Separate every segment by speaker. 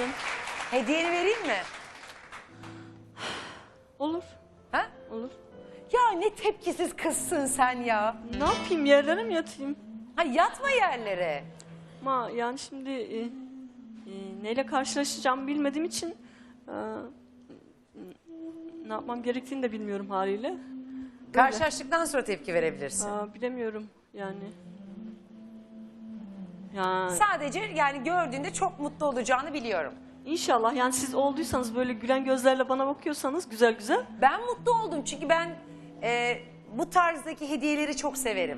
Speaker 1: ederim.
Speaker 2: Hediyeni vereyim mi?
Speaker 1: Olur.
Speaker 2: Ha?
Speaker 1: Olur.
Speaker 2: Ya ne tepkisiz kızsın sen ya.
Speaker 1: Ne yapayım, yerlere mi yatayım?
Speaker 2: Ha, yatma yerlere.
Speaker 1: Ama yani şimdi neyle karşılaşacağımı bilmediğim için ne yapmam gerektiğini de bilmiyorum haliyle. Böyle.
Speaker 2: Karşılaştıktan sonra tepki verebilirsin.
Speaker 1: Bilemiyorum yani. Yani
Speaker 2: Sadece yani gördüğünde çok mutlu olacağını biliyorum.
Speaker 1: İnşallah yani siz olduysanız böyle gülen gözlerle bana bakıyorsanız güzel güzel.
Speaker 2: Ben mutlu oldum çünkü ben bu tarzdaki hediyeleri çok severim.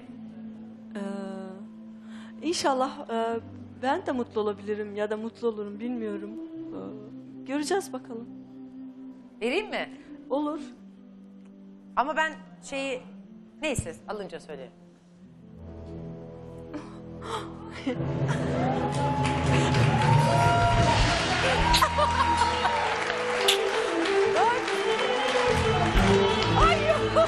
Speaker 1: İnşallah ben de mutlu olabilirim ya da mutlu olurum bilmiyorum. Göreceğiz bakalım.
Speaker 2: Vereyim mi?
Speaker 1: Olur.
Speaker 2: Ama ben neyse alınca söylerim. Ay yok.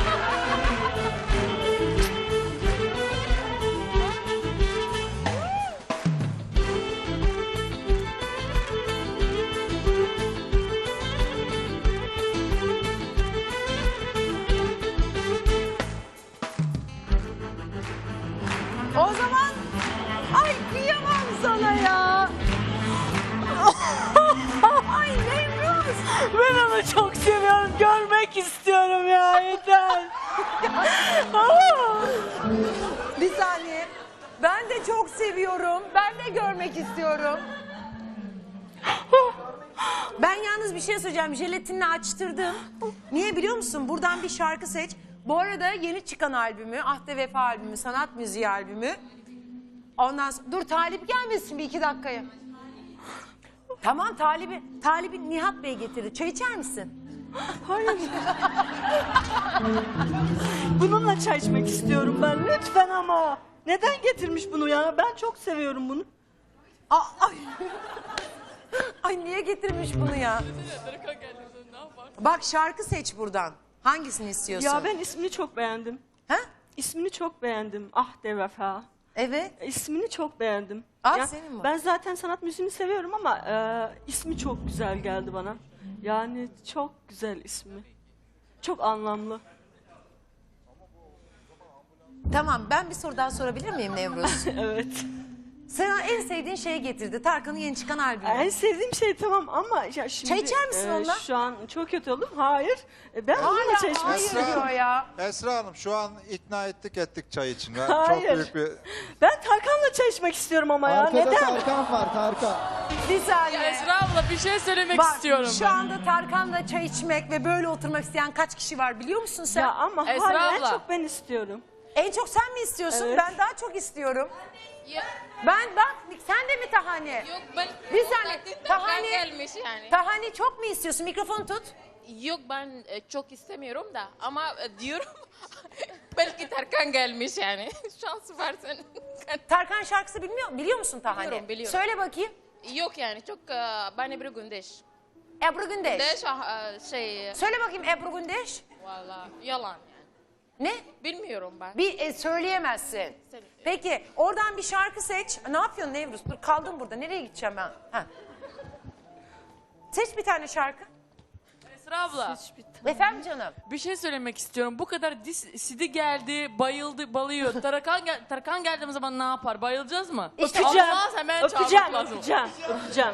Speaker 2: O zaman ay kıyamam sana ya. Ay Nevruz.
Speaker 1: Ben onu çok seviyorum. Görmek istiyorum ya. Yeter.
Speaker 2: Bir saniye. Ben de çok seviyorum. Ben de görmek istiyorum. Ben yalnız bir şey söyleyeceğim. Jelatinle açtırdım. Niye biliyor musun? Buradan bir şarkı seç. Bu arada yeni çıkan albümü, Ahde Vefa albümü, sanat müziği albümü. Ondan sonra, dur Talip gelmesin bir 2 dakikaya. Tamam Talip'i Nihat Bey getirdi. Çay içer misin?
Speaker 1: Hayır. Bununla çay içmek istiyorum ben. Lütfen ama. Neden getirmiş bunu ya? Ben çok seviyorum bunu.
Speaker 2: Ay. Ay niye getirmiş bunu ya? Bak şarkı seç buradan. Hangisini istiyorsun?
Speaker 1: Ya ben ismini çok beğendim.
Speaker 2: Ha?
Speaker 1: İsmini çok beğendim. Ahde Vefa.
Speaker 2: Evet.
Speaker 1: İsmini çok beğendim.
Speaker 2: Ah, senin mi?
Speaker 1: Ben zaten sanat müziğini seviyorum ama ismi çok güzel geldi bana. Yani çok güzel ismi. Çok anlamlı.
Speaker 2: Tamam ben bir soru daha sorabilir miyim Nevruz?
Speaker 1: Evet.
Speaker 2: Sana en sevdiğin şeyi getirdi. Tarkan'ın yeni çıkan albümü.
Speaker 1: En sevdiğim şey tamam ama ya şimdi
Speaker 2: Çay içer misin onunla?
Speaker 1: Şu an çok kötü oldum. Hayır. Ben onunla çay içmek
Speaker 2: hayır
Speaker 1: istiyorum.
Speaker 2: diyor ya.
Speaker 3: Esra Hanım şu an ikna ettik çay için. Ben
Speaker 1: Hayır.
Speaker 3: çok büyük bir...
Speaker 1: Ben Tarkan'la çay içmek istiyorum ama ya.
Speaker 4: Arkada
Speaker 1: Neden?
Speaker 4: Tarkan var, Tarkan.
Speaker 2: Bir saniye.
Speaker 5: Esra abla bir şey söylemek
Speaker 2: Bak
Speaker 5: istiyorum
Speaker 2: şu anda Tarkan'la çay içmek ve böyle oturmak isteyen kaç kişi var biliyor musun sen?
Speaker 1: Ya ama
Speaker 5: Esra
Speaker 1: hayır, en
Speaker 5: abla.
Speaker 1: çok ben istiyorum.
Speaker 2: En çok sen mi istiyorsun?
Speaker 1: Evet.
Speaker 2: Ben daha çok istiyorum.
Speaker 6: Ya,
Speaker 2: Ben bak sen de mi Tahani?
Speaker 6: yok ben
Speaker 2: Bir saniye,
Speaker 6: Tarkan
Speaker 2: Tahani-
Speaker 6: gelmiş yani.
Speaker 2: Tahani çok mu istiyorsun? Mikrofonu tut.
Speaker 6: Yok ben çok istemiyorum da ama diyorum belki Tarkan gelmiş yani. Şans var senin.
Speaker 2: Tarkan şarkısı biliyor musun Tahani?
Speaker 6: Biliyorum.
Speaker 2: Söyle bakayım.
Speaker 6: Yok yani çok ben Ebru Gündeş.
Speaker 2: Ebru Gündeş. Söyle bakayım Ebru Gündeş.
Speaker 6: Valla yalan yani.
Speaker 2: Ne?
Speaker 6: Bilmiyorum ben.
Speaker 2: Söyleyemezsin. Peki oradan bir şarkı seç. Ne yapıyorsun Nevruz? Dur kaldım burada. Nereye gideceğim ben? Ha. Seç bir tane şarkı.
Speaker 5: Esra abla
Speaker 2: Efendim canım.
Speaker 5: bir şey söylemek istiyorum. Bu kadar Sidi geldi, bayıldı, balıyor. Tarkan geldiğimiz zaman ne yapar? Bayılacağız mı?
Speaker 1: Öpeceğim.
Speaker 5: Olmaz, hemen
Speaker 1: Öpeceğim,
Speaker 5: çağırmak lazım.
Speaker 1: öpeceğim.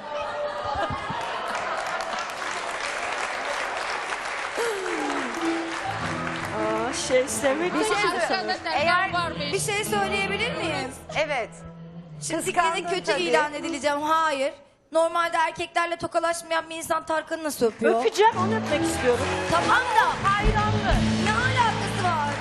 Speaker 1: Sevmek
Speaker 2: Bir şey
Speaker 6: Tarkan'da
Speaker 2: söyle.
Speaker 6: Tarkan
Speaker 2: Eğer
Speaker 6: varmış.
Speaker 7: Bir şey söyleyebilir miyim?
Speaker 2: evet.
Speaker 7: Şimdi
Speaker 2: Kıskandın
Speaker 7: fikrinin kötü
Speaker 2: tabii.
Speaker 7: ilan edileceğim. Hayır. Normalde erkeklerle tokalaşmayan bir insan Tarkan'ı nasıl öpüyor?
Speaker 1: Öpeceğim, onu öpmek istiyorum.
Speaker 7: Tamam da hayranlık. Ne alakası var?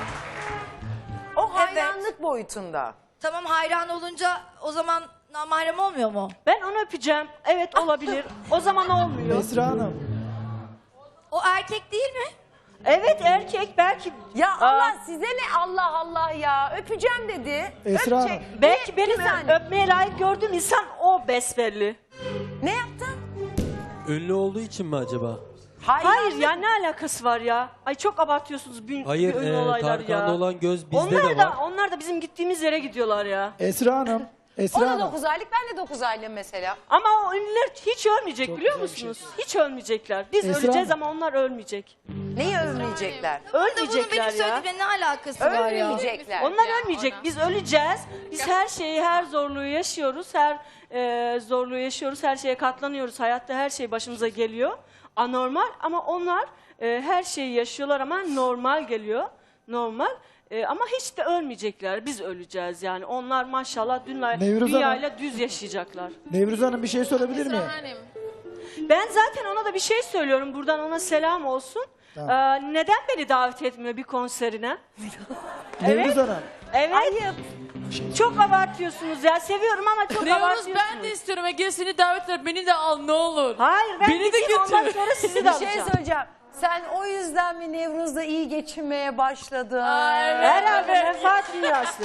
Speaker 2: O hayranlık boyutunda.
Speaker 7: Tamam hayran olunca o zaman namahrem olmuyor mu?
Speaker 1: Ben onu öpeceğim. Evet olabilir. O zaman olmuyor.
Speaker 4: Esra Hanım.
Speaker 7: O erkek değil mi?
Speaker 1: Evet erkek belki.
Speaker 2: Ya Allah size ne Allah Allah ya. Öpeceğim dedi.
Speaker 4: Esra
Speaker 2: Öpecek.
Speaker 4: Hanım.
Speaker 1: Belki
Speaker 2: Bir
Speaker 1: benim
Speaker 2: saniye.
Speaker 1: öpmeye layık gördüğüm insan o besbelli.
Speaker 2: Ne yaptın?
Speaker 8: Ünlü olduğu için mi acaba?
Speaker 1: Hayır ya ne alakası var ya? Ay çok abartıyorsunuz
Speaker 8: Hayır,
Speaker 1: ünlü olaylar ya.
Speaker 8: Tarkan'da olan göz bizde de var.
Speaker 1: Onlar da bizim gittiğimiz yere gidiyorlar ya.
Speaker 4: Esra Hanım. Esra
Speaker 2: O da
Speaker 4: Hanım.
Speaker 2: 9 aylık, ben de 9 aylığım mesela.
Speaker 1: Ama o ünlüler hiç ölmeyecek
Speaker 4: Çok
Speaker 1: biliyor
Speaker 4: güzel bir
Speaker 1: musunuz? Hiç ölmeyecekler. Biz
Speaker 4: Esra
Speaker 1: öleceğiz
Speaker 4: Hanım.
Speaker 1: ama onlar ölmeyecek.
Speaker 2: Neyi övmeyecekler?
Speaker 7: Bunun benim
Speaker 1: Ölmeyecekler ya.
Speaker 7: söylediğimle ne alakası var ya?
Speaker 2: Ölmeyecekler.
Speaker 1: Onlar
Speaker 6: Ya,
Speaker 1: ölmeyecek.
Speaker 6: ona.
Speaker 1: Biz öleceğiz. Biz her şeyi, her zorluğu yaşıyoruz. Her zorluğu yaşıyoruz. Her şeye katlanıyoruz. Hayatta her şey başımıza geliyor. Anormal ama onlar her şeyi yaşıyorlar ama normal geliyor. Normal. Ama hiç de ölmeyecekler. Biz öleceğiz yani. Onlar maşallah
Speaker 4: Nevruz
Speaker 1: dünyayla düz yaşayacaklar.
Speaker 4: Nevruz Hanım bir şey sorabilir miyim?
Speaker 6: Esra Hanım.
Speaker 1: Ben zaten ona da bir şey söylüyorum. Buradan ona selam olsun.
Speaker 4: Tamam.
Speaker 1: Neden beni davet etmiyor bir konserine?
Speaker 4: Nevruz Hanım.
Speaker 1: Evet. Çok abartıyorsunuz ya. Seviyorum ama çok
Speaker 5: Nevruz
Speaker 1: abartıyorsunuz.
Speaker 5: ben de istiyorum. Ege seni davet et. Beni de al ne olur.
Speaker 1: Hayır ben
Speaker 5: Beni de
Speaker 1: gideyim, ondan
Speaker 5: götür.
Speaker 1: sonra sizi de
Speaker 2: Bir şey
Speaker 1: alacağım.
Speaker 2: söyleyeceğim. Sen o yüzden mi Nevruz'da iyi geçinmeye başladın?
Speaker 5: Aa, evet.
Speaker 1: Herhalde menfaat dünyası.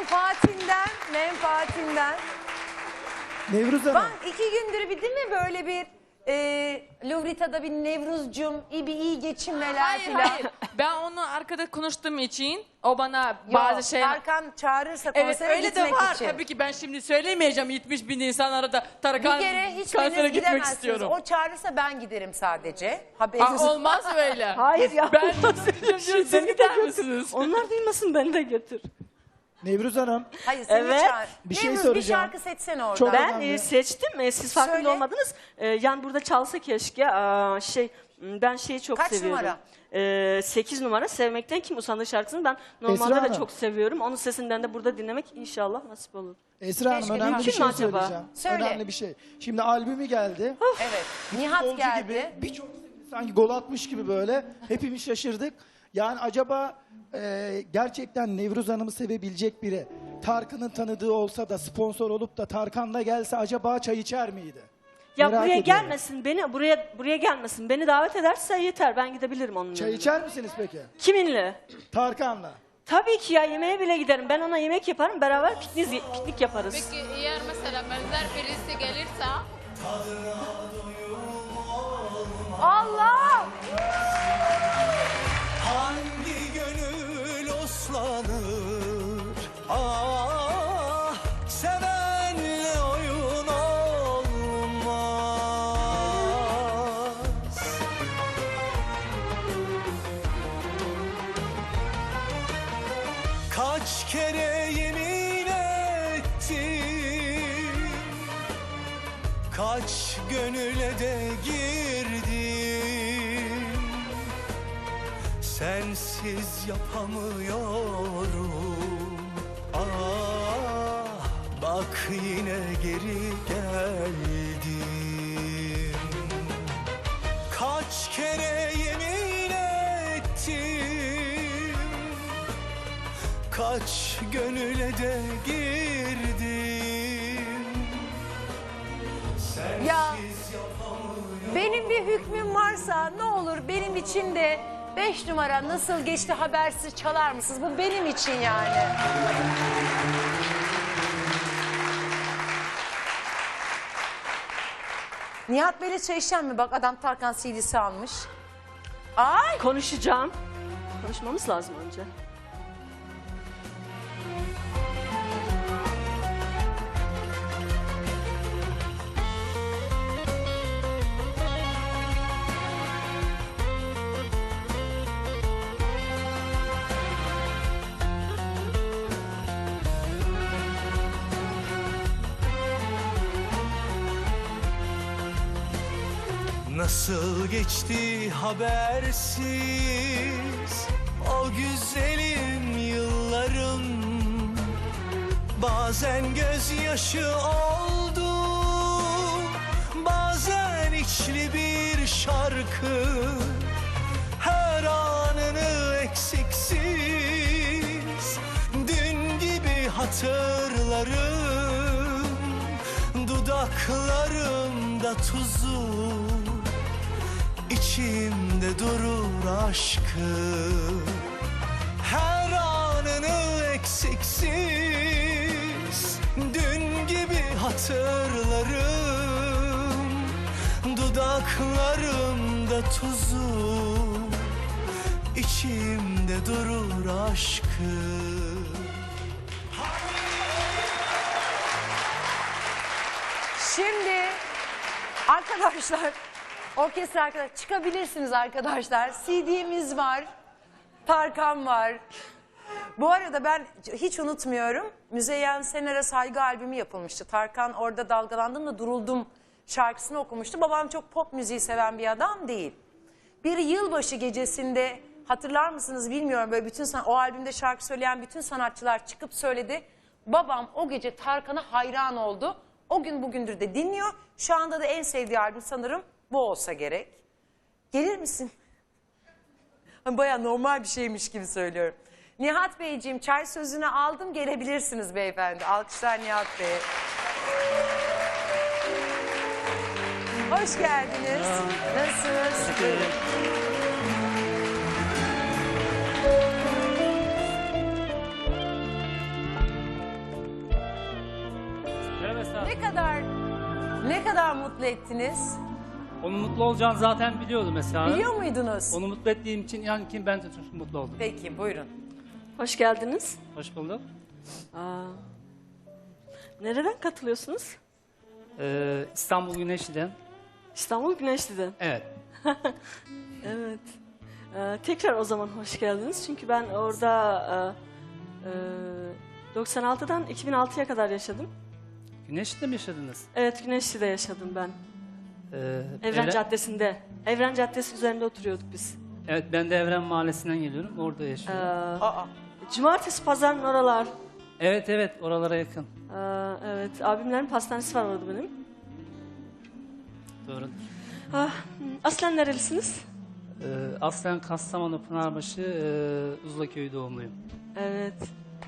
Speaker 2: Menfaatinden.
Speaker 4: Nevruz Hanım.
Speaker 2: Bak 2 gündür bir değil mi böyle bir Lovrita'da bir Nevruzcum iyi geçinmeler
Speaker 5: Hayır
Speaker 2: filan.
Speaker 5: hayır. Ben onu arkada konuştuğum için o bana
Speaker 2: Yok,
Speaker 5: bazı şeyler...
Speaker 2: Tarkan çağırırsa
Speaker 5: Evet
Speaker 2: konsere
Speaker 5: öyle de
Speaker 2: gitmek
Speaker 5: var.
Speaker 2: için.
Speaker 5: Tabii ki ben şimdi söyleyemeyeceğim 70 bin insan arada
Speaker 2: Bir
Speaker 5: Tarkan
Speaker 2: kere hiçbiriniz
Speaker 5: konsere gitmek
Speaker 2: gidemezsiniz.
Speaker 5: istiyorum.
Speaker 2: O çağırırsa ben giderim sadece. Haberiniz
Speaker 5: Aa, olmaz öyle.
Speaker 1: Hayır ya.
Speaker 5: Ben siz
Speaker 1: Beni de
Speaker 5: gider
Speaker 1: götür.
Speaker 5: misiniz?
Speaker 1: Onlar duymasın beni de götür.
Speaker 4: Nevruz Hanım.
Speaker 2: Hayır seni
Speaker 1: Evet.
Speaker 2: çağır.
Speaker 4: Bir şey
Speaker 2: Nevruz
Speaker 4: soracağım.
Speaker 2: bir şarkı seçsene oradan.
Speaker 4: Çok
Speaker 1: Ben
Speaker 4: önemli.
Speaker 1: seçtim. Siz farkında
Speaker 2: Söyle.
Speaker 1: olmadınız. Yani burada çalsa keşke. Ben şeyi çok
Speaker 2: Kaç
Speaker 1: seviyorum.
Speaker 2: numara?
Speaker 1: 8 numara. Sevmekten Kim Usandı şarkısını ben normalde
Speaker 4: Esra
Speaker 1: de
Speaker 4: Hanım.
Speaker 1: çok seviyorum. Onun sesinden de burada dinlemek inşallah nasip olur.
Speaker 4: Esra Hanım
Speaker 2: Keşke
Speaker 4: önemli bir
Speaker 1: mümkün
Speaker 4: şey
Speaker 1: mü acaba?
Speaker 4: söyleyeceğim.
Speaker 2: Söyle.
Speaker 4: Önemli bir şey. Şimdi albümü geldi.
Speaker 2: Evet. Nihat
Speaker 4: Golcü
Speaker 2: geldi.
Speaker 4: gibi birçok sanki gol atmış gibi böyle. Hepimiz şaşırdık. Yani acaba gerçekten Nevruz Hanım'ı sevebilecek biri Tarkan'ın tanıdığı olsa da sponsor olup da Tarkan'la gelse acaba çay içer miydi?
Speaker 1: Ya
Speaker 4: Merak
Speaker 1: buraya
Speaker 4: ediyorum.
Speaker 1: gelmesin. Buraya gelmesin. Beni davet ederse yeter. Ben gidebilirim onun
Speaker 4: Çay
Speaker 1: yanına.
Speaker 4: içer misiniz peki?
Speaker 1: Kiminle?
Speaker 4: Tarkan'la.
Speaker 1: Tabii ki ya, yemeğe bile giderim. Ben ona yemek yaparım. Beraber piknik yaparız.
Speaker 6: Peki eğer mesela benzer birisi gelirse
Speaker 2: Allah!
Speaker 9: Hangi gönül oslanır? Ah, sevenle oyun olmaz. Kaç kere yemin ettim, kaç gönüle de girdim. Sensiz yapamıyorum. Ah, bak yine geri geldim. Kaç kere yemin ettim, kaç gönüle de girdim.
Speaker 2: Ya benim bir hükmüm varsa ne olur benim için de 5 numara nasıl geçti habersiz çalar mısınız? Bu benim için yani. Nihat Bey'le çay içeceğim mi? Bak adam Tarkan CD'si almış. Ay!
Speaker 1: Konuşacağım. Konuşmamız lazım önce.
Speaker 9: Nasıl geçti habersiz o güzelim yıllarım. Bazen gözyaşı oldu, bazen içli bir şarkı. Her anını eksiksiz dün gibi hatırlarım. Dudaklarımda tuzu, İçimde durur aşkı. Her anını eksiksiz dün gibi hatırlarım. Dudaklarımda tuzu, içimde durur aşkı.
Speaker 2: Şimdi arkadaşlar, orkestra arkadaşlar çıkabilirsiniz arkadaşlar. CD'miz var, Tarkan var. Bu arada ben hiç unutmuyorum. Müzeyyen Sener'e saygı albümü yapılmıştı. Tarkan orada dalgalandım da duruldum şarkısını okumuştu. Babam çok pop müziği seven bir adam değil. Bir yılbaşı gecesinde hatırlar mısınız bilmiyorum, böyle bütün o albümde şarkı söyleyen bütün sanatçılar çıkıp söyledi. Babam o gece Tarkan'a hayran oldu. O gün bugündür de dinliyor. Şu anda da en sevdiği albüm sanırım bu olsa gerek. Gelir misin? Baya normal bir şeymiş gibi söylüyorum. Nihat Beyciğim, çay sözünü aldım, gelebilirsiniz beyefendi. Alkışlar Nihat Bey'e. Hoş geldiniz. Nasılsınız? Buyurun. Ne kadar mutlu ettiniz?
Speaker 10: Onun mutlu olacağını zaten biliyordum mesela.
Speaker 2: Biliyor muydunuz?
Speaker 10: Onu mutlu ettiğim için yani kim ben de çok mutlu oldum.
Speaker 2: Peki buyurun.
Speaker 1: Hoş geldiniz.
Speaker 10: Hoş bulduk.
Speaker 1: Nereden katılıyorsunuz?
Speaker 10: İstanbul Güneşli'den.
Speaker 1: İstanbul Güneşli'den.
Speaker 10: Evet.
Speaker 1: Evet. Tekrar o zaman hoş geldiniz. Çünkü ben orada 96'dan 2006'ya kadar yaşadım.
Speaker 10: Güneşli'de mi yaşadınız?
Speaker 1: Evet, Güneşli'de yaşadım ben. Evren Caddesi'nde. Evren Caddesi üzerinde oturuyorduk biz.
Speaker 10: Evet, ben de Evren Mahallesi'nden geliyorum. Orada yaşıyorum.
Speaker 1: Cumartesi pazarın oralar.
Speaker 10: Evet evet, oralara yakın.
Speaker 1: Evet, abimlerin pastanesi var orada benim.
Speaker 10: Doğrudur.
Speaker 1: Aslen nerelisiniz?
Speaker 10: Aslen Kastamonu Pınarbaşı Uzlaköy doğumluyum.
Speaker 1: Evet.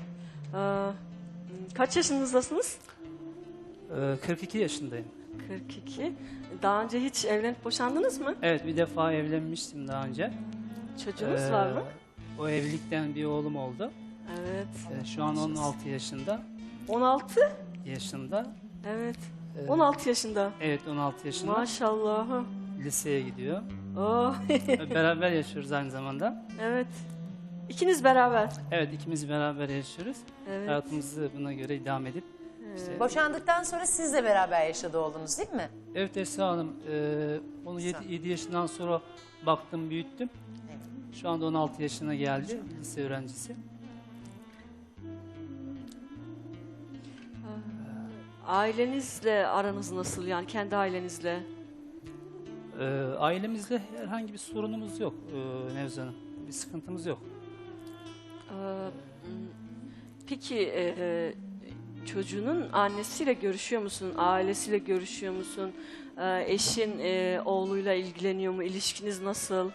Speaker 1: Kaç yaşınızdasınız?
Speaker 10: 42 yaşındayım.
Speaker 1: 42. Daha önce hiç evlenip boşandınız mı?
Speaker 10: Evet, bir defa evlenmiştim daha önce.
Speaker 1: Çocuğunuz var mı?
Speaker 10: O evlilikten bir oğlum oldu.
Speaker 1: Evet.
Speaker 10: Şu an 16 yaşında.
Speaker 1: 16?
Speaker 10: Yaşında.
Speaker 1: Evet. 16 yaşında.
Speaker 10: Evet, 16 yaşında.
Speaker 1: Maşallah.
Speaker 10: Liseye gidiyor.
Speaker 1: Oh.
Speaker 10: Beraber yaşıyoruz aynı zamanda.
Speaker 1: Evet. İkiniz beraber.
Speaker 10: Evet, ikimiz beraber yaşıyoruz.
Speaker 1: Evet.
Speaker 10: Hayatımızı buna göre idame edip. işte-
Speaker 2: Boşandıktan sonra sizle beraber yaşadı oğlunuz değil mi?
Speaker 10: Evet Esra Hanım, onu 7 yaşından sonra baktım, büyüttüm. Şu anda 16 yaşına geldi, lise öğrencisi.
Speaker 1: Ailenizle aranız nasıl, yani kendi ailenizle?
Speaker 10: Ailemizle herhangi bir sorunumuz yok Nevzat Hanım. Bir sıkıntımız yok.
Speaker 1: Peki çocuğunun annesiyle görüşüyor musun? Ailesiyle görüşüyor musun? Eşin oğluyla ilgileniyor mu? İlişkiniz nasıl?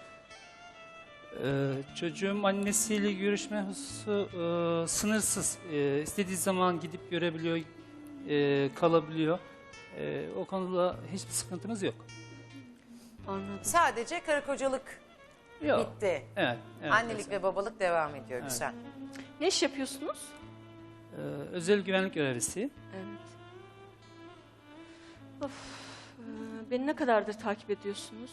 Speaker 10: Çocuğum annesiyle görüşme hususu sınırsız. İstediği zaman gidip görebiliyor, kalabiliyor. O konuda hiçbir sıkıntımız yok.
Speaker 1: Anladım.
Speaker 2: Sadece karı kocalık
Speaker 10: Yok.
Speaker 2: bitti.
Speaker 10: Evet. evet
Speaker 2: Annelik ve babalık devam ediyor.
Speaker 10: Evet.
Speaker 2: Güzel.
Speaker 1: Ne iş yapıyorsunuz?
Speaker 10: Özel güvenlik görevlisiyim.
Speaker 1: Evet. Of, beni ne kadardır takip ediyorsunuz?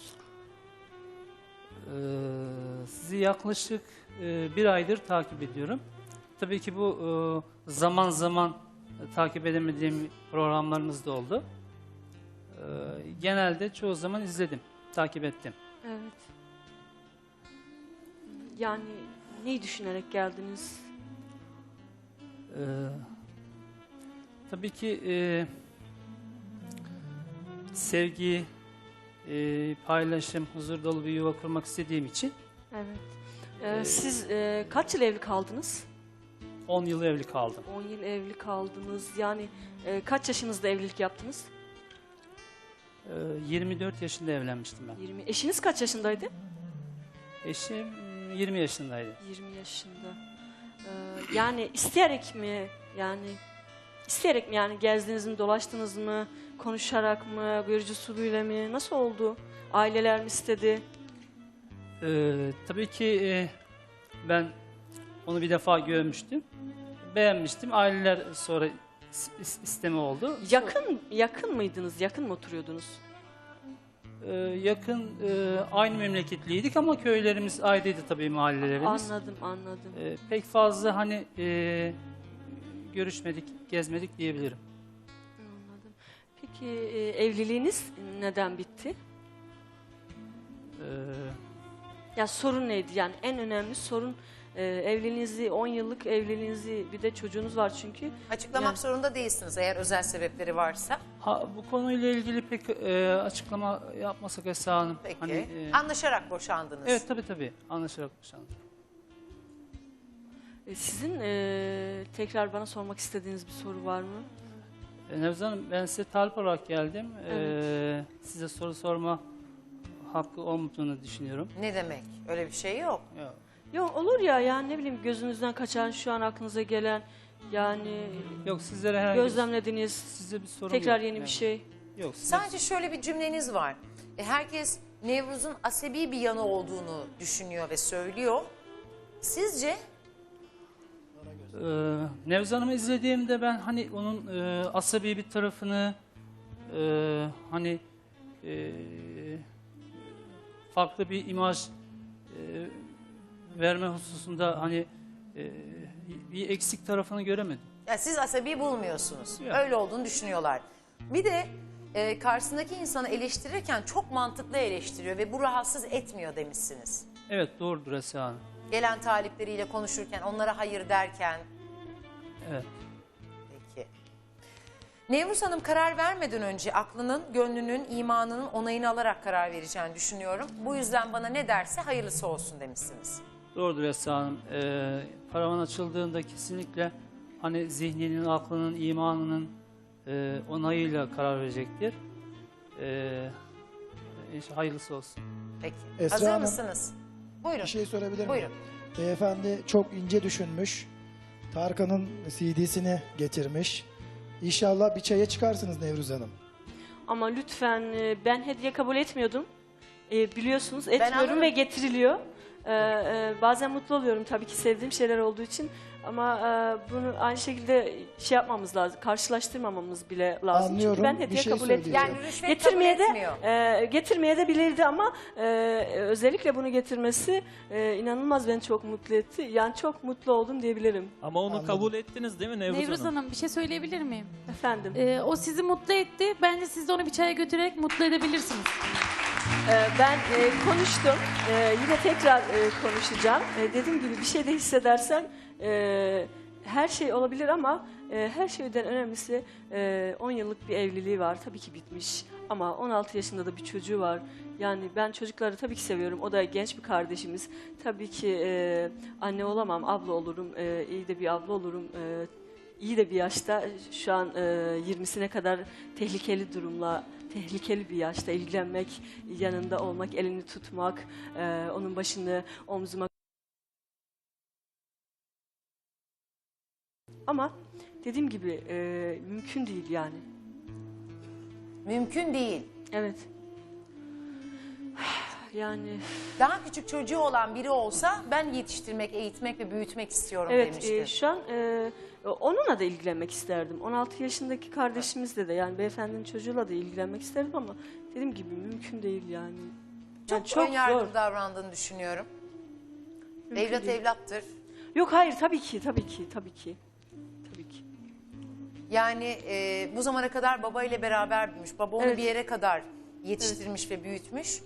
Speaker 10: Sizi yaklaşık bir aydır takip ediyorum. Tabii ki bu zaman zaman takip edemediğim programlarımız da oldu. Genelde çoğu zaman izledim, takip ettim.
Speaker 1: Evet. Yani neyi düşünerek geldiniz?
Speaker 10: Tabii ki sevgi, paylaşım, huzur dolu bir yuva kurmak istediğim için
Speaker 1: Evet. Siz kaç yıl evli kaldınız?
Speaker 10: 10 yıl evli kaldım.
Speaker 1: 10 yıl evli kaldınız. Yani kaç yaşınızda evlilik yaptınız?
Speaker 10: 24 yaşında evlenmiştim ben.
Speaker 1: 20. Eşiniz kaç yaşındaydı?
Speaker 10: Eşim 20 yaşındaydı.
Speaker 1: 20 yaşında. Yani isteyerek mi? Yani gezdiniz mi, dolaştınız mı, konuşarak mı, görücü usulüyle mi? Nasıl oldu? Aileler mi istedi?
Speaker 10: Tabii ki ben onu bir defa görmüştüm. Beğenmiştim. Aileler sonra isteme oldu.
Speaker 1: Yakın mıydınız? Yakın mı oturuyordunuz?
Speaker 10: Yakın, aynı memleketliydik ama köylerimiz ayrıydı tabii, mahallelerimiz.
Speaker 1: Anladım.
Speaker 10: Pek fazla hani görüşmedik, gezmedik diyebilirim.
Speaker 1: Anladım. Peki Peki evliliğiniz neden bitti?
Speaker 10: Ee,
Speaker 1: Ya sorun neydi? Yani en önemli sorun evliliğinizi, 10 yıllık evliliğinizi, bir de çocuğunuz var çünkü.
Speaker 2: Açıklamak
Speaker 1: Yani-
Speaker 2: zorunda değilsiniz eğer özel sebepleri varsa.
Speaker 10: bu konuyla ilgili pek açıklama yapmasak Esra Hanım.
Speaker 2: Peki.
Speaker 10: Hani,
Speaker 2: Anlaşarak boşandınız.
Speaker 10: evet tabii anlaşarak boşandık.
Speaker 1: Sizin tekrar bana sormak istediğiniz bir soru var mı?
Speaker 10: Nevzat Hanım, ben size talip olarak geldim.
Speaker 1: Evet.
Speaker 10: Size soru sorma hakkı olmadığını düşünüyorum.
Speaker 2: Ne demek? Öyle bir şey yok.
Speaker 10: Ya,
Speaker 1: Yok olur ya, yani ne bileyim, gözünüzden kaçan, şu an aklınıza gelen, yani
Speaker 10: yok sizlere herhangi
Speaker 1: gözlemlediğiniz
Speaker 10: size bir sorum
Speaker 1: tekrar
Speaker 10: yok.
Speaker 1: yeni bir
Speaker 10: Yani,
Speaker 1: şey.
Speaker 10: Yok. size-
Speaker 2: Sadece şöyle bir cümleniz var. Herkes Nevruz'un asabi bir yanı olduğunu düşünüyor ve söylüyor. Sizce?
Speaker 10: Nevzat Hanım'ı izlediğimde ben hani onun asabi bir tarafını hani farklı bir imaj verme hususunda hani bir eksik tarafını göremedim.
Speaker 2: Ya siz asabi bulmuyorsunuz.
Speaker 10: Yok.
Speaker 2: Öyle olduğunu düşünüyorlar. Bir de karşısındaki insanı eleştirirken çok mantıklı eleştiriyor ve bu rahatsız etmiyor demişsiniz.
Speaker 10: Evet doğrudur Esra Hanım.
Speaker 2: Gelen talipleriyle konuşurken, onlara hayır derken.
Speaker 10: Evet.
Speaker 2: Peki. Nevruz Hanım karar vermeden önce aklının, gönlünün, imanının onayını alarak karar vereceğini düşünüyorum. Bu yüzden bana ne derse hayırlısı olsun demişsiniz.
Speaker 10: Doğrudur Esra Hanım. Paravan açıldığında kesinlikle hani zihninin, aklının, imanının onayıyla karar verecektir. Hayırlısı olsun.
Speaker 2: Peki.
Speaker 4: Esra
Speaker 2: Hazır
Speaker 4: Hanım,
Speaker 2: mısınız? Buyurun.
Speaker 4: Bir şey sorabilir miyim?
Speaker 2: Buyurun.
Speaker 4: Beyefendi çok ince düşünmüş. Tarkan'ın CD'sini getirmiş. İnşallah bir çaya çıkarsınız Nevruz Hanım.
Speaker 1: Ama lütfen, ben hediye kabul etmiyordum. Biliyorsunuz etmiyorum
Speaker 2: anladım.
Speaker 1: ve getiriliyor. Bazen mutlu oluyorum tabii ki, sevdiğim şeyler olduğu için. Ama bunu aynı şekilde şey yapmamız lazım, karşılaştırmamamız bile lazım.
Speaker 4: Anlıyorum,
Speaker 1: Çünkü ben
Speaker 4: bir
Speaker 1: hediye
Speaker 4: şey
Speaker 1: kabul
Speaker 4: söyleyeceğim.
Speaker 1: etmiyorum.
Speaker 2: Yani rüşvet
Speaker 1: Getirmeye
Speaker 2: kabul
Speaker 1: de
Speaker 2: etmiyor.
Speaker 1: getirmeye de bilirdi ama özellikle bunu getirmesi inanılmaz beni çok mutlu etti. Yani çok mutlu oldum diyebilirim.
Speaker 8: Ama onu
Speaker 4: Anladım.
Speaker 8: kabul ettiniz değil mi Nevruz,
Speaker 11: Nevruz
Speaker 8: Hanım?
Speaker 11: Hanım bir şey söyleyebilir miyim?
Speaker 1: Efendim.
Speaker 11: O sizi mutlu etti. Bence siz de onu bir çaya götürerek mutlu edebilirsiniz.
Speaker 1: Ben konuştum. Yine tekrar konuşacağım. Dediğim gibi bir şey de hissedersen her şey olabilir ama her şeyden önemlisi 10 yıllık bir evliliği var. Tabii ki bitmiş ama 16 yaşında da bir çocuğu var. Yani ben çocukları tabii ki seviyorum. O da genç bir kardeşimiz. Tabii ki anne olamam, abla olurum. İyi de bir abla olurum. İyi de bir yaşta, şu an 20'sine kadar tehlikeli bir yaşta ilgilenmek, yanında olmak, elini tutmak, onun başını omzuma. Ama dediğim gibi mümkün değil yani.
Speaker 2: Mümkün değil.
Speaker 1: Evet. Yani
Speaker 2: Daha küçük çocuğu olan biri olsa ben yetiştirmek, eğitmek ve büyütmek istiyorum
Speaker 1: evet,
Speaker 2: demişti.
Speaker 1: şu an onunla da ilgilenmek isterdim. 16 yaşındaki kardeşimizle de, yani beyefendinin çocuğuyla da ilgilenmek isterdim ama dediğim gibi mümkün değil yani. Yani
Speaker 2: Çok ön yargılı
Speaker 1: zor.
Speaker 2: davrandığını düşünüyorum.
Speaker 1: Mümkün
Speaker 2: Evlat
Speaker 1: değil.
Speaker 2: evlattır.
Speaker 1: Yok hayır, tabii ki.
Speaker 2: Yani bu zamana kadar babayla beraber büyümüş. Baba onu
Speaker 1: Evet.
Speaker 2: bir yere kadar yetiştirmiş ve büyütmüş.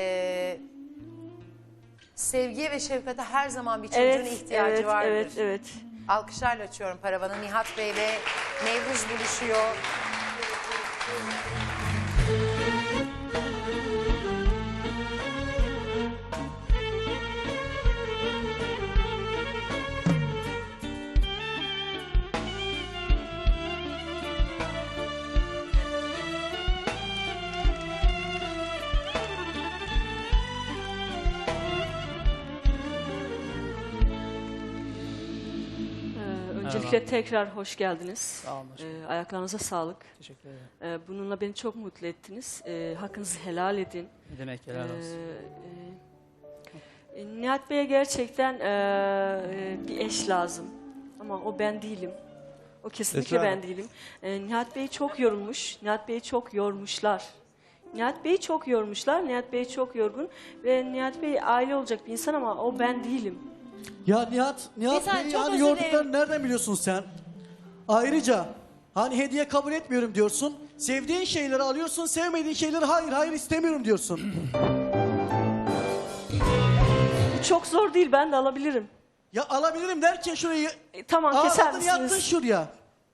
Speaker 2: Sevgiye ve şefkate her zaman bir çocuğun ihtiyacı vardır.
Speaker 1: Evet.
Speaker 2: Alkışlarla açıyorum paravanı. Nihat Bey ve Nevruz buluşuyor.
Speaker 1: Öncelikle tekrar hoş geldiniz.
Speaker 10: Sağ olun.
Speaker 1: Ayaklarınıza sağlık.
Speaker 10: Teşekkür ederim.
Speaker 1: Bununla beni çok mutlu ettiniz. Hakkınızı helal edin.
Speaker 10: Ne demek helal olsun.
Speaker 1: Nihat Bey'e gerçekten bir eş lazım. Ama o ben değilim. O kesinlikle
Speaker 3: Esra
Speaker 1: ben
Speaker 3: Hanım.
Speaker 1: değilim. Nihat Bey çok yorulmuş. Nihat Bey'i çok yormuşlar. Nihat Bey'i çok yormuşlar. Nihat Bey çok yorgun. Ve Nihat Bey aile olacak bir insan ama o ben değilim.
Speaker 12: Ya Nihat
Speaker 2: Bir saniye,
Speaker 12: Bey'i
Speaker 2: çok
Speaker 12: yani
Speaker 2: özür dilerim.
Speaker 12: yorduklarını nereden biliyorsun sen? Ayrıca hani hediye kabul etmiyorum diyorsun.
Speaker 9: Sevdiğin şeyleri alıyorsun, sevmediğin şeyleri hayır istemiyorum diyorsun.
Speaker 1: Bu çok zor değil, ben de alabilirim.
Speaker 9: Ya alabilirim derken şurayı
Speaker 1: Tamam, keser
Speaker 9: ağladın yattın
Speaker 1: misiniz?
Speaker 9: şuraya.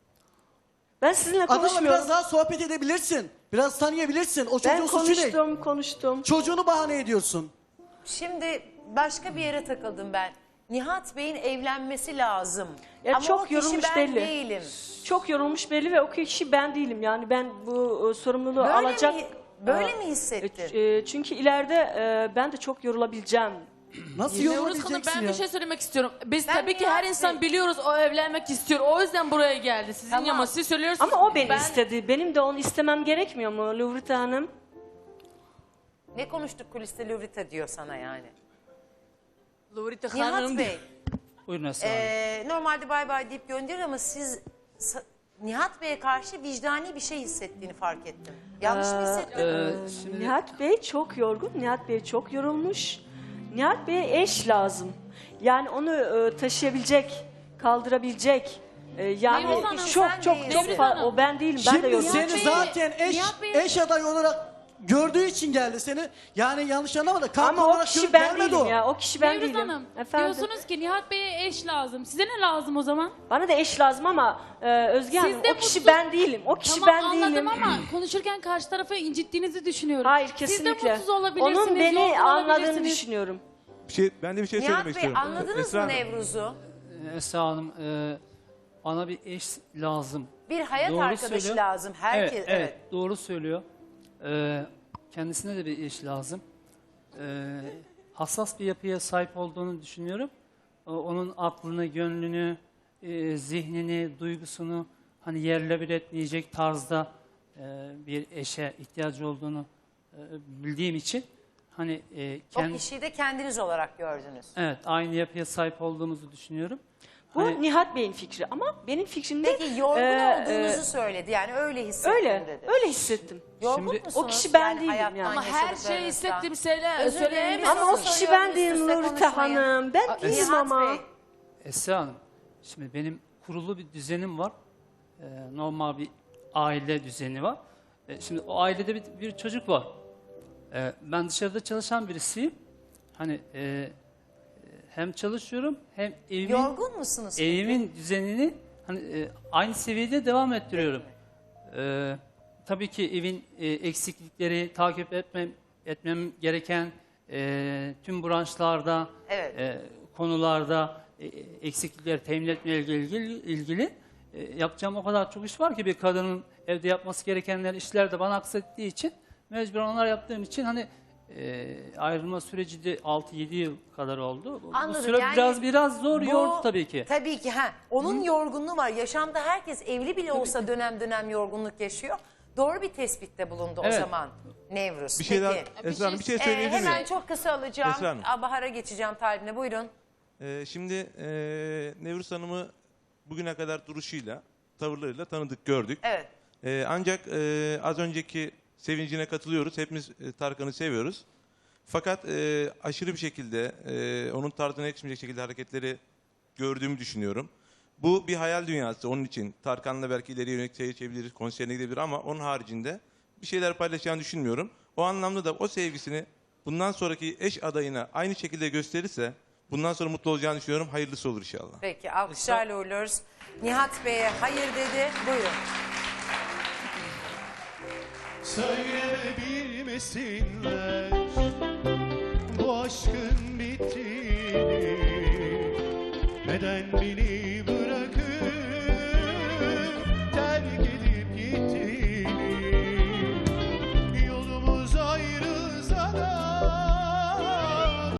Speaker 1: Ben sizinle
Speaker 9: Adamla
Speaker 1: konuşmuyorum.
Speaker 9: biraz daha sohbet edebilirsin. Biraz tanıyabilirsin. O
Speaker 1: Ben
Speaker 9: çocuğun suçu ne?
Speaker 1: konuştum.
Speaker 9: Çocuğunu bahane ediyorsun.
Speaker 2: Şimdi başka bir yere takıldım ben. Nihat Bey'in evlenmesi lazım.
Speaker 1: Ya
Speaker 2: Ama
Speaker 1: çok
Speaker 2: o kişi
Speaker 1: yorulmuş
Speaker 2: ben
Speaker 1: belli.
Speaker 2: değilim.
Speaker 1: Çok yorulmuş belli ve o kişi ben değilim. Yani ben bu sorumluluğu alacak...
Speaker 2: Böyle mi hissettin?
Speaker 1: Çünkü ileride ben de çok yorulabileceğim.
Speaker 9: Nasıl
Speaker 5: Nevruz Hanım,
Speaker 9: yorulabileceksin
Speaker 5: ben
Speaker 9: ya?
Speaker 5: bir şey söylemek istiyorum. Biz
Speaker 2: Ben
Speaker 5: tabii ki
Speaker 2: Nihat
Speaker 5: her insan
Speaker 2: Bey-
Speaker 5: biliyoruz o evlenmek istiyor. O yüzden buraya geldi. Sizin
Speaker 2: Tamam.
Speaker 5: ama siz söylüyorsunuz.
Speaker 1: Ama o beni
Speaker 5: ben-
Speaker 1: istedi. Benim de onu istemem gerekmiyor mu Lovrita Hanım?
Speaker 2: Ne konuştuk kuliste Lovrita diyor sana yani.
Speaker 5: Lovrita
Speaker 2: Nihat
Speaker 5: Hanım.
Speaker 2: Bey,
Speaker 10: Buyurun Esra Hanım.
Speaker 2: normalde bay bay deyip gönderir ama siz Nihat Bey'e karşı vicdani bir şey hissettiğini fark ettim. Yanlış mı hissettin?
Speaker 10: Şimdi
Speaker 1: Nihat Bey çok yorgun. Nihat Bey çok yorulmuş. Nihat Bey'e eş lazım. Yani onu taşıyabilecek, kaldırabilecek. Yani
Speaker 11: Nevruz Hanım,
Speaker 1: çok
Speaker 2: sen
Speaker 1: çok
Speaker 2: değilsin.
Speaker 1: çok
Speaker 11: Nevruz Hanım.
Speaker 1: o ben değilim. Ben de
Speaker 9: Şimdi
Speaker 1: yorgunum.
Speaker 9: seni
Speaker 11: Bey-
Speaker 9: zaten
Speaker 11: Nihat Bey-
Speaker 9: eş aday olarak gördüğü için geldi seni. Yani yanlış anlama da kanka
Speaker 1: Ama o
Speaker 9: olarak
Speaker 1: kişi ben
Speaker 9: gelmedi
Speaker 1: değilim
Speaker 9: o.
Speaker 1: ya. O kişi ben
Speaker 11: Nevruz
Speaker 1: değilim.
Speaker 11: Hanım,
Speaker 1: Efendim.
Speaker 11: diyorsunuz ki Nihat Bey'e eş lazım. Size ne lazım o zaman?
Speaker 1: Bana da eş lazım ama Özge
Speaker 11: Siz
Speaker 1: Hanım
Speaker 11: de
Speaker 1: o kişi
Speaker 11: mutsuz-
Speaker 1: ben değilim. O kişi
Speaker 11: Tamam
Speaker 1: ben
Speaker 11: anladım
Speaker 1: değilim.
Speaker 11: ama konuşurken karşı tarafı incittiğinizi düşünüyorum.
Speaker 1: Hayır,
Speaker 11: Siz
Speaker 1: kesinlikle.
Speaker 11: de mutsuz olabilirsiniz.
Speaker 1: Onun beni
Speaker 11: yorgun
Speaker 1: anladığını
Speaker 11: olabilirsiniz.
Speaker 1: düşünüyorum.
Speaker 12: Ben de bir şey
Speaker 2: Nihat
Speaker 12: söylemek
Speaker 2: Bey
Speaker 12: istiyorum.
Speaker 2: anladınız
Speaker 12: Esra
Speaker 2: mı
Speaker 12: Hanım.
Speaker 2: Nevruz'u?
Speaker 10: Esra Hanım bana bir eş lazım.
Speaker 2: Bir hayat
Speaker 10: Doğru
Speaker 2: arkadaşı
Speaker 10: söylüyor.
Speaker 2: lazım. Herkes,
Speaker 10: Evet, doğru söylüyor. Kendisine de bir eş lazım. Hassas bir yapıya sahip olduğunu düşünüyorum. Onun aklını, gönlünü, zihnini, duygusunu hani yerle bir etmeyecek tarzda bir eşe ihtiyacı olduğunu bildiğim için hani
Speaker 2: O kişiyi de kendiniz olarak gördünüz.
Speaker 10: evet aynı yapıya sahip olduğumuzu düşünüyorum.
Speaker 1: Bu
Speaker 10: Hani-
Speaker 1: Nihat Bey'in fikri ama benim fikrim de
Speaker 2: Peki yorgun olduğunuzu söyledi. Yani öyle hissettim
Speaker 1: öyle.
Speaker 2: dedi.
Speaker 1: Öyle hissettim.
Speaker 2: Yorgun
Speaker 10: Şimdi-
Speaker 2: musunuz?
Speaker 1: O kişi ben değilim
Speaker 2: hayattan,
Speaker 1: yani.
Speaker 5: Ama her
Speaker 2: yaşadıklarınızdan?
Speaker 5: şeyi hissettiğim
Speaker 2: Özür dilerim,
Speaker 5: söyleyemem.
Speaker 2: bir
Speaker 1: Ama o
Speaker 2: soru
Speaker 1: kişi
Speaker 2: soruyorum,
Speaker 1: ben değilim
Speaker 2: üst üste
Speaker 1: Lovrita
Speaker 2: konuşmayın.
Speaker 1: Hanım. Ben değilim
Speaker 2: Nihat
Speaker 1: ama.
Speaker 2: Bey,
Speaker 10: Esra Hanım, şimdi benim kurulu bir düzenim var. Normal bir aile düzeni var. Şimdi o ailede bir çocuk var. Ben dışarıda çalışan birisiyim. Hani hem çalışıyorum hem
Speaker 2: yorgun musunuz? peki?
Speaker 10: evimin düzenini hani aynı seviyede devam ettiriyorum. Tabii ki evin eksiklikleri takip etmem gereken tüm branşlarda
Speaker 2: Evet.
Speaker 10: konularda eksiklikleri temin etmeyle ilgili yapacağım o kadar çok iş var ki bir kadının evde yapması gerekenler işler de bana aksettiği için mecburen onlar yaptığım için hani ayrılma süreci de 6-7 yıl kadar oldu. Bu
Speaker 2: Anladım.
Speaker 10: süre
Speaker 2: Yani
Speaker 10: biraz zor
Speaker 2: Bu-
Speaker 10: yordu tabii ki.
Speaker 2: Tabii ki. Onun yorgunluğu var. Yaşamda herkes evli bile olsa dönem dönem yorgunluk yaşıyor. Doğru bir tespitte bulundu o
Speaker 10: Evet.
Speaker 2: zaman Nevruz.
Speaker 12: Bir şey daha,
Speaker 2: Peki.
Speaker 12: Esra Hanım bir şey söyleyebilir miyim?
Speaker 2: Hemen çok kısa alacağım.
Speaker 12: Esra Hanım.
Speaker 2: Bahar'a geçeceğim talibine. Buyurun.
Speaker 12: Şimdi Nevruz Hanım'ı bugüne kadar duruşuyla, tavırlarıyla tanıdık, gördük.
Speaker 2: Evet.
Speaker 12: Ancak az önceki sevincine katılıyoruz. Hepimiz Tarkan'ı seviyoruz. Fakat aşırı bir şekilde onun tarzına yakışmayacak şekilde hareketleri gördüğümü düşünüyorum. Bu bir hayal dünyası onun için. Tarkan'la belki ileriye yönelik çevirebiliriz, konserine gidebilir ama onun haricinde bir şeyler paylaşacağını düşünmüyorum. O anlamda da o sevgisini bundan sonraki eş adayına aynı şekilde gösterirse bundan sonra mutlu olacağını düşünüyorum. Hayırlısı olur inşallah.
Speaker 2: Peki alkışlarla uğurluyoruz. Nihat Bey'e hayır dedi. Buyurun.
Speaker 9: Söyleyebilmesinler bu aşkın bittiğini, neden bileyim